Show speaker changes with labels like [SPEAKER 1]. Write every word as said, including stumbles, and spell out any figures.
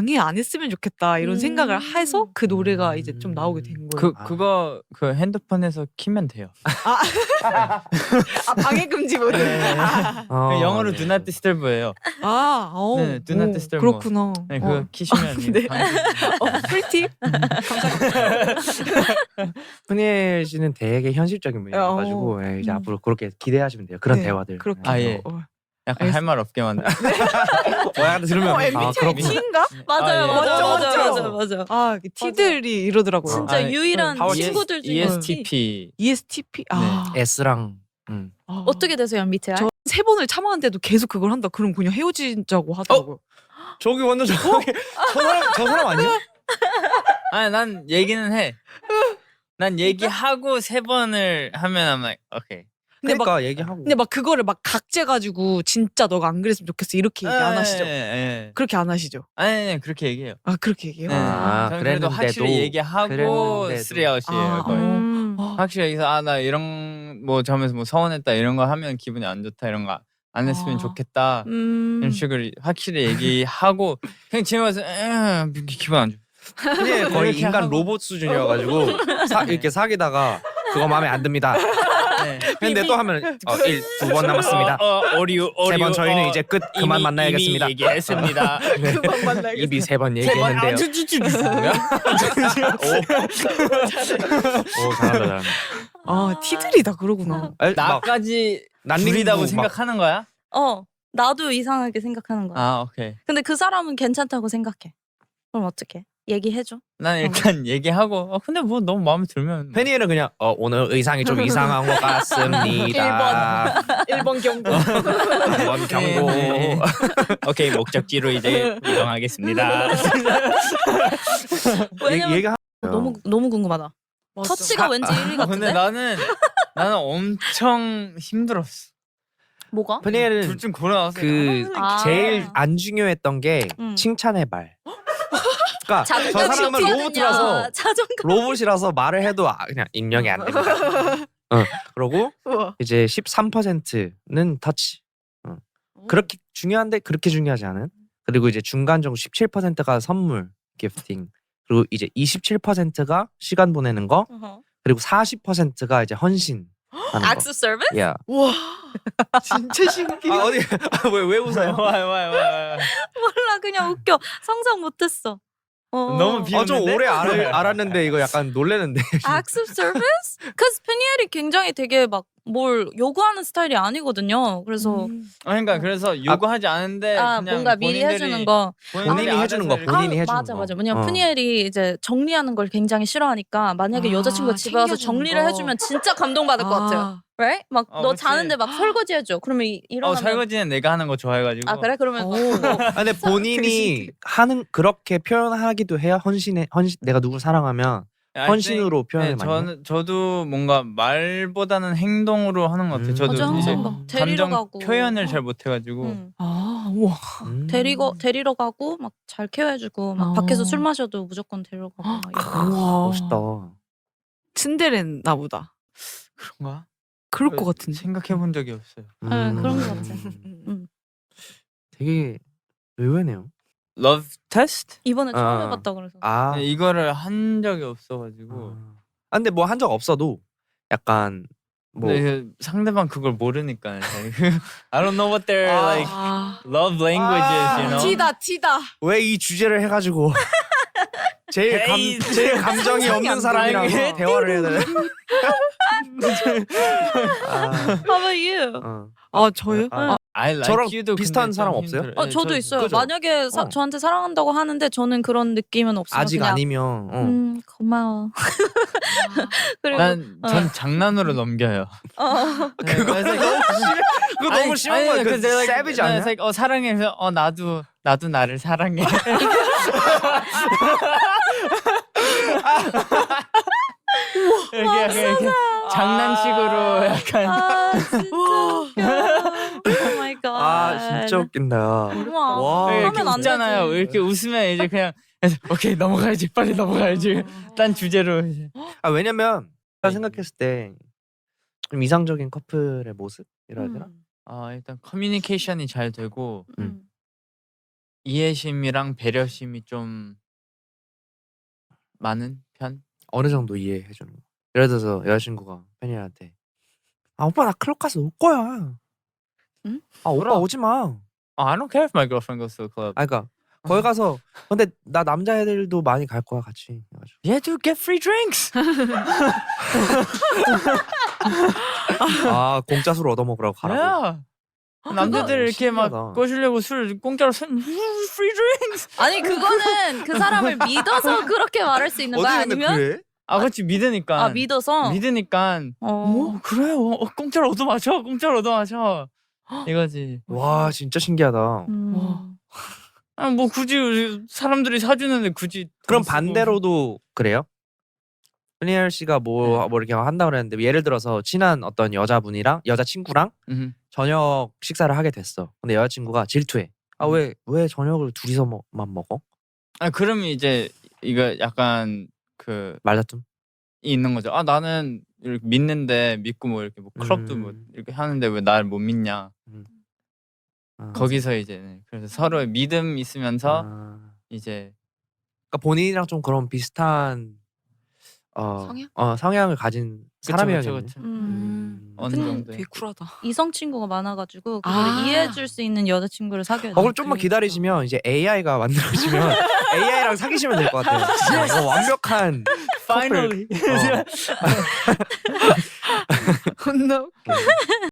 [SPEAKER 1] 방해 안 했으면 좋겠다 이런 생각을 해서 그 노래가 이제 좀 나오게 된 거예요.
[SPEAKER 2] 그 그거 그 핸드폰에서 키면 돼요.
[SPEAKER 1] 아, 아 방해 금지 모드.
[SPEAKER 2] 네.
[SPEAKER 1] 아,
[SPEAKER 3] 어,
[SPEAKER 2] 영어로
[SPEAKER 3] 네.
[SPEAKER 2] Do Not Disturb예요.
[SPEAKER 1] 아, 어,
[SPEAKER 2] 네, Do Not
[SPEAKER 1] 오,
[SPEAKER 2] Disturb
[SPEAKER 1] 그렇구나.
[SPEAKER 2] 네, 그거
[SPEAKER 1] 어.
[SPEAKER 2] 키시면
[SPEAKER 1] 네.
[SPEAKER 2] 방해.
[SPEAKER 1] 어, 꿀팁.
[SPEAKER 3] 푸니엘 씨는 되게 현실적인 분이어가지고
[SPEAKER 1] 어,
[SPEAKER 3] 예, 이제
[SPEAKER 1] 음.
[SPEAKER 3] 앞으로 그렇게 기대하시면 돼요. 그런
[SPEAKER 1] 네,
[SPEAKER 3] 대화들.
[SPEAKER 1] 그렇게.
[SPEAKER 2] 아, 예.
[SPEAKER 1] 어.
[SPEAKER 2] 약간 할 말 없게 만들.
[SPEAKER 3] 뭐 약간 들으면
[SPEAKER 1] 어,
[SPEAKER 3] 아
[SPEAKER 1] 엠비티아이
[SPEAKER 3] 그렇구나.
[SPEAKER 1] T인가?
[SPEAKER 4] 맞아요,
[SPEAKER 2] 아, 예.
[SPEAKER 4] 맞아,
[SPEAKER 1] 맞죠,
[SPEAKER 4] 맞아,
[SPEAKER 1] 맞죠?
[SPEAKER 4] 맞아, 맞아.
[SPEAKER 1] 아, T들이 이러더라고요.
[SPEAKER 4] 진짜
[SPEAKER 2] 아,
[SPEAKER 4] 유일한
[SPEAKER 3] 파워
[SPEAKER 4] 친구들 중에
[SPEAKER 2] 이에스티피.
[SPEAKER 1] 이에스티피. 아,
[SPEAKER 3] S랑 음.
[SPEAKER 1] 아.
[SPEAKER 4] 어떻게 되세요, 엠비티아이?
[SPEAKER 1] 저 세 번을 참았는데도 계속 그걸 한다. 그럼 그냥 헤어지자고 하더라고요.
[SPEAKER 3] 저기 완전 저기 저 사람 저 사람 아니야?
[SPEAKER 2] 아니 난 얘기는 해. 난 얘기하고 세 번을 하면 I'm like okay.
[SPEAKER 1] 근데 막
[SPEAKER 3] 그러니까 얘기하고.
[SPEAKER 1] 근데 막 그거를 막 각재가지고 진짜 너가 안 그랬으면 좋겠어 이렇게 얘기 안 하시죠?
[SPEAKER 2] 예, 예.
[SPEAKER 1] 그렇게 안 하시죠?
[SPEAKER 2] 아니, 아니 그렇게 얘기해요.
[SPEAKER 1] 아 그렇게 얘기해요?
[SPEAKER 2] 네.
[SPEAKER 3] 아,
[SPEAKER 2] 저는 그래도
[SPEAKER 3] 그랬는데도-
[SPEAKER 2] 확실히 얘기하고
[SPEAKER 3] 그랬는데도.
[SPEAKER 2] 쓰리아웃이에요.
[SPEAKER 1] 아,
[SPEAKER 2] 거의.
[SPEAKER 4] 음.
[SPEAKER 1] 아,
[SPEAKER 2] 확실히 여기서 아 나 이런 뭐 점에서 뭐 서운했다 이런 거 하면 기분이 안 좋다 이런 거 안 했으면
[SPEAKER 1] 아.
[SPEAKER 2] 좋겠다
[SPEAKER 4] 음.
[SPEAKER 2] 이런 식으로 확실히 얘기하고 그냥 집에 와서 에 기분 안 좋아.
[SPEAKER 3] 푸니엘 거의
[SPEAKER 2] 이렇게
[SPEAKER 3] 인간
[SPEAKER 2] 하고.
[SPEAKER 3] 로봇 수준이어가지고 사, 이렇게 사귀다가 그거 마음에 안 듭니다.
[SPEAKER 2] 네.
[SPEAKER 3] 근데 또 하면 어, 일, 두 번 남았습니다.
[SPEAKER 2] 어, 어, 오류 오류.
[SPEAKER 3] 세 번 저희는
[SPEAKER 2] 어,
[SPEAKER 3] 이제 끝 그만
[SPEAKER 2] 이미,
[SPEAKER 3] 만나야겠습니다.
[SPEAKER 2] 이미 얘기했습니다.
[SPEAKER 1] 그만 만나겠어.
[SPEAKER 3] 입이 세 번
[SPEAKER 2] 세번
[SPEAKER 3] 얘기했는데요.
[SPEAKER 2] 아주주주.
[SPEAKER 3] 오 잘한다 잘한다.
[SPEAKER 1] 아 T들이 다 그러구나.
[SPEAKER 3] 에, 막
[SPEAKER 2] 나까지
[SPEAKER 3] 난닝구
[SPEAKER 2] 줄이다고
[SPEAKER 3] 막-
[SPEAKER 2] 생각하는 거야?
[SPEAKER 4] 어, 나도 이상하게 생각하는 거야.
[SPEAKER 2] 아 오케이.
[SPEAKER 4] 근데 그 사람은 괜찮다고 생각해. 그럼 어떡해? 얘기해줘.
[SPEAKER 2] 난 일단 얘기하고 어 근데 뭐 너무 마음에 들면
[SPEAKER 3] 페니엘은 그냥 어, 오늘 의상이 좀 이상한 것 같습니다.
[SPEAKER 1] 일 번 경고.
[SPEAKER 3] 한번 경고.
[SPEAKER 2] 네, 네. 오케이 목적지로 이제 이동하겠습니다.
[SPEAKER 4] 왜냐면
[SPEAKER 3] 얘기하.
[SPEAKER 4] 너무 너무 궁금하다.
[SPEAKER 1] 맞아.
[SPEAKER 4] 터치가 왠지 일 위
[SPEAKER 2] 아, 근데
[SPEAKER 4] 같은데?
[SPEAKER 2] 나는 나는 엄청 힘들었어.
[SPEAKER 4] 뭐가?
[SPEAKER 3] 페니엘은
[SPEAKER 2] 둘 중 골라 나왔어.
[SPEAKER 3] 그
[SPEAKER 4] 아.
[SPEAKER 3] 제일 안 중요했던 게
[SPEAKER 4] 음.
[SPEAKER 3] 칭찬의 말. 그러니까 저
[SPEAKER 4] 자존감
[SPEAKER 3] 사람은
[SPEAKER 4] 높거든요.
[SPEAKER 3] 로봇이라서
[SPEAKER 4] 자존감.
[SPEAKER 3] 로봇이라서 말을 해도 아, 그냥 입력이 안 됩니다. 어, 그러고
[SPEAKER 1] 우와.
[SPEAKER 3] 이제 십삼 퍼센트는 터치. 어. 그렇게 중요한데 그렇게 중요하지 않은. 그리고 이제 중간 정도 십칠 퍼센트가 선물, 기프팅. 그리고 이제 이십칠 퍼센트가 시간 보내는 거.
[SPEAKER 4] 어허.
[SPEAKER 3] 그리고 사십 퍼센트가 이제 헌신. 하는 거.
[SPEAKER 4] 악수 서비스?
[SPEAKER 3] 야.
[SPEAKER 1] 우와. 진짜 신기해.
[SPEAKER 3] 아 어디 왜 왜 웃어요?
[SPEAKER 2] 와와와
[SPEAKER 4] 몰라, 그냥 웃겨. 상상 못했어. 어.
[SPEAKER 2] 너무 비-
[SPEAKER 3] 어, 좀
[SPEAKER 2] 비웃는데?
[SPEAKER 3] 오래 알, 알았는데 이거 약간 놀래는데.
[SPEAKER 4] 악수 서비스? 그래서 페니엘이 굉장히 되게 막 뭘 요구하는 스타일이 아니거든요. 그래서
[SPEAKER 1] 음.
[SPEAKER 2] 그러니까 그래서 요구하지 않은데
[SPEAKER 4] 아
[SPEAKER 2] 그냥
[SPEAKER 4] 뭔가 미리
[SPEAKER 2] 본인들이-
[SPEAKER 4] 해주는 거.
[SPEAKER 3] 본인이
[SPEAKER 2] 알아서
[SPEAKER 3] 해주는 거,
[SPEAKER 2] 이렇게-
[SPEAKER 3] 본인이
[SPEAKER 4] 아,
[SPEAKER 3] 해주는
[SPEAKER 4] 맞아
[SPEAKER 3] 거.
[SPEAKER 4] 맞아. 왜냐면
[SPEAKER 3] 어.
[SPEAKER 4] 푸니엘이 이제 정리하는 걸 굉장히 싫어하니까 만약에
[SPEAKER 1] 아,
[SPEAKER 4] 여자친구가 집에 와서
[SPEAKER 1] 챙겨주는
[SPEAKER 4] 정리를
[SPEAKER 1] 거.
[SPEAKER 4] 해주면 진짜 감동받을 것 같아요. right? 막 너
[SPEAKER 2] 어, 그치.
[SPEAKER 4] 자는데 막 설거지 해줘. 그러면 이-
[SPEAKER 2] 어
[SPEAKER 4] 일어나면
[SPEAKER 2] 설거지는 내가 하는 거 좋아해가지고.
[SPEAKER 4] 아 그래? 그러면 막
[SPEAKER 1] 오.
[SPEAKER 4] 뭐
[SPEAKER 3] 아, 근데 본인이 하는 그렇게 표현하기도 해요. 헌신에 헌신 내가 누굴 사랑하면
[SPEAKER 2] I
[SPEAKER 3] 헌신으로
[SPEAKER 2] think,
[SPEAKER 3] 표현을
[SPEAKER 2] 네,
[SPEAKER 3] 많이 해요?
[SPEAKER 2] 저는 저도 뭔가 말보다는 행동으로 하는 것 같아요.
[SPEAKER 3] 음.
[SPEAKER 2] 저도
[SPEAKER 4] 맞아,
[SPEAKER 2] 이제
[SPEAKER 4] 항상 막 데리러
[SPEAKER 2] 감정
[SPEAKER 4] 가고
[SPEAKER 2] 표현을 잘 못해가지고.
[SPEAKER 4] 응.
[SPEAKER 1] 아 우와.
[SPEAKER 3] 음.
[SPEAKER 4] 데리고 데리러 가고 막 잘 케어해주고 막
[SPEAKER 1] 어.
[SPEAKER 4] 밖에서 술 마셔도 무조건 데리러 가고 막 이런.
[SPEAKER 1] 우와.
[SPEAKER 3] 멋있다.
[SPEAKER 1] 츤데레나 보다.
[SPEAKER 2] 그런가?
[SPEAKER 1] 그럴 것 같은데.
[SPEAKER 2] 생각해 본 적이 없어요.
[SPEAKER 4] 네, 그런 것 같아.
[SPEAKER 1] 음.
[SPEAKER 4] 음.
[SPEAKER 3] 되게 의외네요.
[SPEAKER 2] Love test?
[SPEAKER 4] 이번에 처음
[SPEAKER 3] 아.
[SPEAKER 4] 해봤다 그래서.
[SPEAKER 3] 아,
[SPEAKER 2] 네, 이거를 한 적이 없어가지고.
[SPEAKER 3] 아 근데 뭐 한 적 없어도 약간 뭐
[SPEAKER 2] 근데 그 상대방 그걸 모르니까. I don't know what their
[SPEAKER 3] 아.
[SPEAKER 2] like
[SPEAKER 1] 아.
[SPEAKER 2] love languages, you know.
[SPEAKER 1] 티다 티다.
[SPEAKER 3] 왜 이 주제를 해가지고 제일 감
[SPEAKER 2] 에이,
[SPEAKER 3] 제일 감정이
[SPEAKER 1] 상상이
[SPEAKER 3] 없는
[SPEAKER 1] 안
[SPEAKER 3] 사람이랑
[SPEAKER 2] 돼.
[SPEAKER 3] 대화를 해야 되나? 아,
[SPEAKER 4] How about you?
[SPEAKER 3] 어.
[SPEAKER 1] 아 저요?
[SPEAKER 3] 아,
[SPEAKER 2] I like
[SPEAKER 3] 저랑
[SPEAKER 2] you도
[SPEAKER 3] 비슷한
[SPEAKER 2] 근데
[SPEAKER 3] 사람
[SPEAKER 2] 좀
[SPEAKER 3] 없어요?
[SPEAKER 2] 힘들어요.
[SPEAKER 4] 어
[SPEAKER 2] 네,
[SPEAKER 4] 저도
[SPEAKER 2] 저도
[SPEAKER 4] 있어요.
[SPEAKER 3] 그죠?
[SPEAKER 4] 만약에 사,
[SPEAKER 3] 어.
[SPEAKER 4] 저한테 사랑한다고 하는데 저는 그런 느낌은 없어요.
[SPEAKER 3] 아직
[SPEAKER 4] 그냥,
[SPEAKER 3] 아니면 어.
[SPEAKER 4] 음 고마워. 그리고
[SPEAKER 2] 난
[SPEAKER 4] 어.
[SPEAKER 2] 전 장난으로 넘겨요.
[SPEAKER 4] 어.
[SPEAKER 3] 그거 너무 심해. 그거 너무 심한 거야. 그 세비지 아니야?
[SPEAKER 2] like, 어 사랑해. 그래서 어 나도 나도 나를 사랑해. 이렇게, 이렇게, 이렇게 장난식으로 약간
[SPEAKER 4] 아 진짜 웃겨. 오 마이 갓.
[SPEAKER 3] 아 진짜 웃긴다.
[SPEAKER 4] 우와.
[SPEAKER 3] 와.
[SPEAKER 2] 이렇게
[SPEAKER 4] 하면 안
[SPEAKER 2] 웃잖아요.
[SPEAKER 4] 되지.
[SPEAKER 2] 이렇게 웃으면 이제 그냥 그래서 오케이 넘어가야지 빨리 넘어가야지. 딴 주제로 이제.
[SPEAKER 3] 아 왜냐면 제가 생각했을 때 좀 이상적인 커플의 모습이라 해야 되나?
[SPEAKER 4] 음.
[SPEAKER 2] 아 일단 커뮤니케이션이 잘 되고
[SPEAKER 4] 음.
[SPEAKER 2] 이해심이랑 배려심이 좀 많은 편?
[SPEAKER 3] 어느 정도 이해해 주는 거. 예를 들어서 여자친구가 팬이한테 아 오빠 나 클럽 가서 올 거야.
[SPEAKER 4] 응?
[SPEAKER 3] 아 오빠
[SPEAKER 2] 그럼.
[SPEAKER 3] 오지 마.
[SPEAKER 2] Oh, I don't care if my girlfriend goes to the club.
[SPEAKER 3] 아 그러니까 거기 가서 근데 나 남자애들도 많이 갈 거야 같이. 그래가지고
[SPEAKER 2] Yeah, dude, get free drinks.
[SPEAKER 3] 아 공짜 술 얻어 먹으라고 가라고.
[SPEAKER 2] Yeah. 남자들
[SPEAKER 3] 그거
[SPEAKER 2] 이렇게 막
[SPEAKER 3] 신기하다.
[SPEAKER 2] 꼬시려고 술 공짜로 술 free drinks.
[SPEAKER 4] 아니 그거는 그 사람을 믿어서 그렇게 말할 수 있는 거야 아니면
[SPEAKER 3] 그래?
[SPEAKER 2] 아, 그렇지 믿으니까.
[SPEAKER 4] 아 믿어서
[SPEAKER 2] 믿으니까.
[SPEAKER 4] 어.
[SPEAKER 2] 어, 그래요. 어, 공짜로 얻어 마셔. 공짜로 얻어 마셔. 이거지.
[SPEAKER 3] 와 진짜 신기하다.
[SPEAKER 4] 음.
[SPEAKER 2] 아, 뭐 굳이 사람들이 사주는데 굳이.
[SPEAKER 3] 그럼
[SPEAKER 2] 돈 쓰고.
[SPEAKER 3] 반대로도 그래요? 흔히엘 씨가 뭐, 뭐 이렇게 한다 그랬는데 예를 들어서 친한 어떤 여자분이랑 여자친구랑
[SPEAKER 2] 음.
[SPEAKER 3] 저녁 식사를 하게 됐어. 근데 여자친구가 질투해. 아 왜 왜 저녁을 둘이서만 먹어?
[SPEAKER 2] 아, 그러면 이제 이거 약간 그
[SPEAKER 3] 말다툼.
[SPEAKER 2] 있는 거죠. 아, 나는 이렇게 믿는데 믿고 뭐 이렇게 뭐 클럽도 뭐
[SPEAKER 3] 음.
[SPEAKER 2] 이렇게 하는데 왜 날 못 믿냐.
[SPEAKER 3] 아,
[SPEAKER 2] 거기서 이제 네. 그래서 서로의 믿음 있으면서
[SPEAKER 3] 아.
[SPEAKER 2] 이제
[SPEAKER 3] 그러니까 본인이랑 좀 그런 비슷한 어,
[SPEAKER 4] 성향?
[SPEAKER 3] 어 성향을 가진
[SPEAKER 2] 그쵸,
[SPEAKER 3] 사람이야겠네.
[SPEAKER 2] 그쵸, 그쵸.
[SPEAKER 4] 음.
[SPEAKER 2] 어느
[SPEAKER 1] 근데
[SPEAKER 2] 정도.
[SPEAKER 1] 되게 쿨하다.
[SPEAKER 4] 이성 친구가 많아가지고 그걸
[SPEAKER 1] 아.
[SPEAKER 4] 이해해줄 수 있는 여자친구를 사귀어야 돼.
[SPEAKER 3] 어, 그럼 좀만 기다리시면 이제 에이아이가 만들어지면 에이아이랑 사귀시면 될 것 같아요. 아, 이거 완벽한
[SPEAKER 2] Finally.
[SPEAKER 3] 어.
[SPEAKER 2] 혼나.